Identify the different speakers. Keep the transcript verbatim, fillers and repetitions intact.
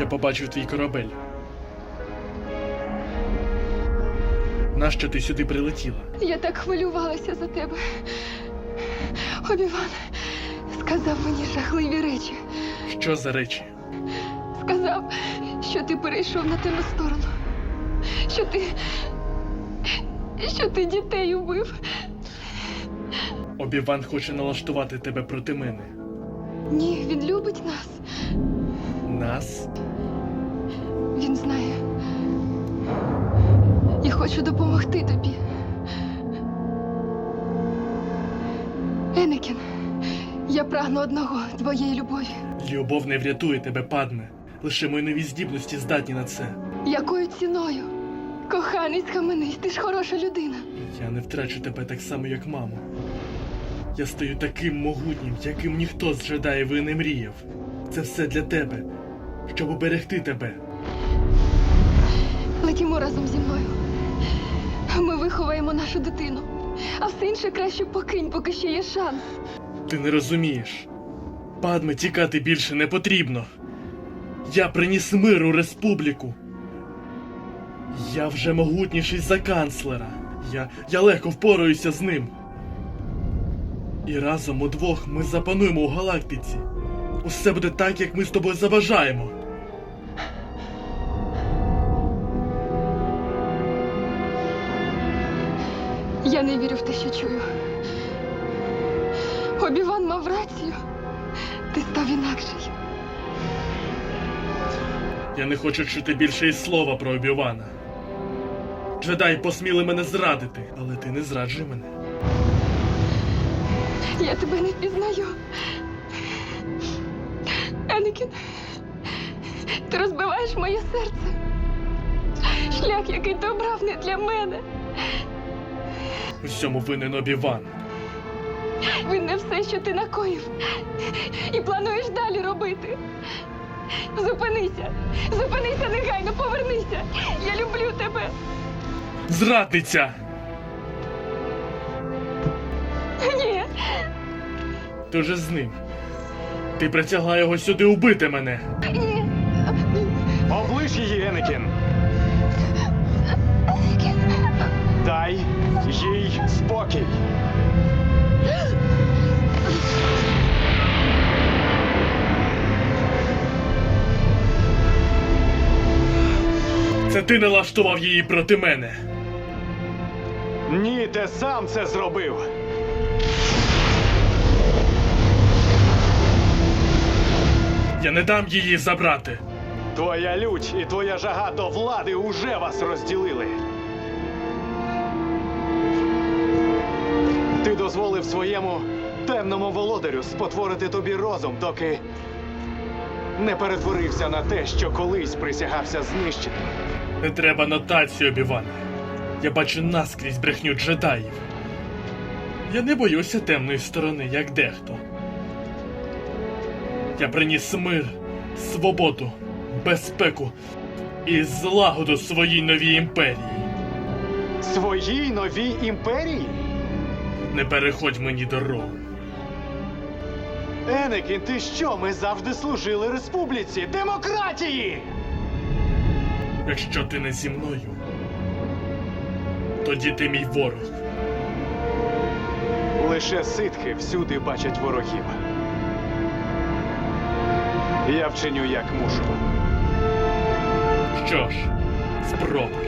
Speaker 1: я побачив твій корабель. Нащо ти сюди прилетіла?
Speaker 2: Я так хвилювалася за тебе. Обі-Ван сказав мені жахливі речі.
Speaker 1: Що за речі?
Speaker 2: Сказав, що ти перейшов на темну сторону. Що ти... що ти дітей убив.
Speaker 1: Обі-Ван хоче налаштувати тебе проти мене.
Speaker 2: Ні, він любить нас.
Speaker 1: Нас?
Speaker 2: Він знає. І хочу допомогти тобі. Енекін, я прагну одного – твоєї любові.
Speaker 1: Любов не врятує тебе, Падме. Лише мої нові здібності здатні на це.
Speaker 2: Якою ціною? Коханий, схаменись, ти ж хороша людина.
Speaker 1: Я не втрачу тебе так само, як маму. Я стаю таким могутнім, яким ніхто з джедаїв і не мріяв. Це все для тебе, щоб уберегти тебе.
Speaker 2: Летімо разом зі мною. Ми виховаємо нашу дитину. А все інше краще покинь, поки ще є шанс.
Speaker 1: Ти не розумієш. Падме, тікати більше не потрібно. Я приніс мир у республіку. Я вже могутніший за канцлера. Я, я легко впораюся з ним. І разом удвох ми запануємо у галактиці. Усе буде так, як ми з тобою заважаємо.
Speaker 2: Я не вірю в те, що чую. Обі-Ван мав рацію. Ти став інакший.
Speaker 1: Я не хочу чути більше й слова про Обі-Вана. Джедаї посміли мене зрадити, але ти не зраджуй мене.
Speaker 2: Я тебе не впізнаю. Енекін, ти розбиваєш моє серце. Шлях, який ти обрав, не для мене.
Speaker 1: У всьому винен Обі-Ван.
Speaker 2: Він не все, що ти накоїв. І плануєш далі робити. Зупинися. Зупинися негайно, повернися. Я люблю тебе.
Speaker 1: Зрадниця!
Speaker 2: Ні.
Speaker 1: Ти вже з ним. Ти притягла його сюди убити мене.
Speaker 2: Ні.
Speaker 3: Оближ її, Енекін!
Speaker 2: Енекін.
Speaker 3: Дай їй спокій!
Speaker 1: Це ти налаштував її проти мене.
Speaker 3: Ні, ти сам це зробив!
Speaker 1: Я не дам її забрати.
Speaker 3: Твоя лють і твоя жага до влади уже вас розділили. Ти дозволив своєму темному володарю спотворити тобі розум, доки не перетворився на те, що колись присягався знищити.
Speaker 1: Не треба нотацію, Обі-Ване. Я бачу наскрізь брехню джедаїв. Я не боюся темної сторони, як дехто. Я приніс мир, свободу, безпеку і злагоду своїй новій імперії.
Speaker 3: Своїй новій імперії?
Speaker 1: Не переходь мені дорогу.
Speaker 3: Енекін, ти що? Ми завжди служили республіці, демократії!
Speaker 1: Якщо ти не зі мною, тоді ти мій ворог.
Speaker 3: Лише ситхи всюди бачать ворогів. Я вчиню, як мушу.
Speaker 1: Що ж, спробуй.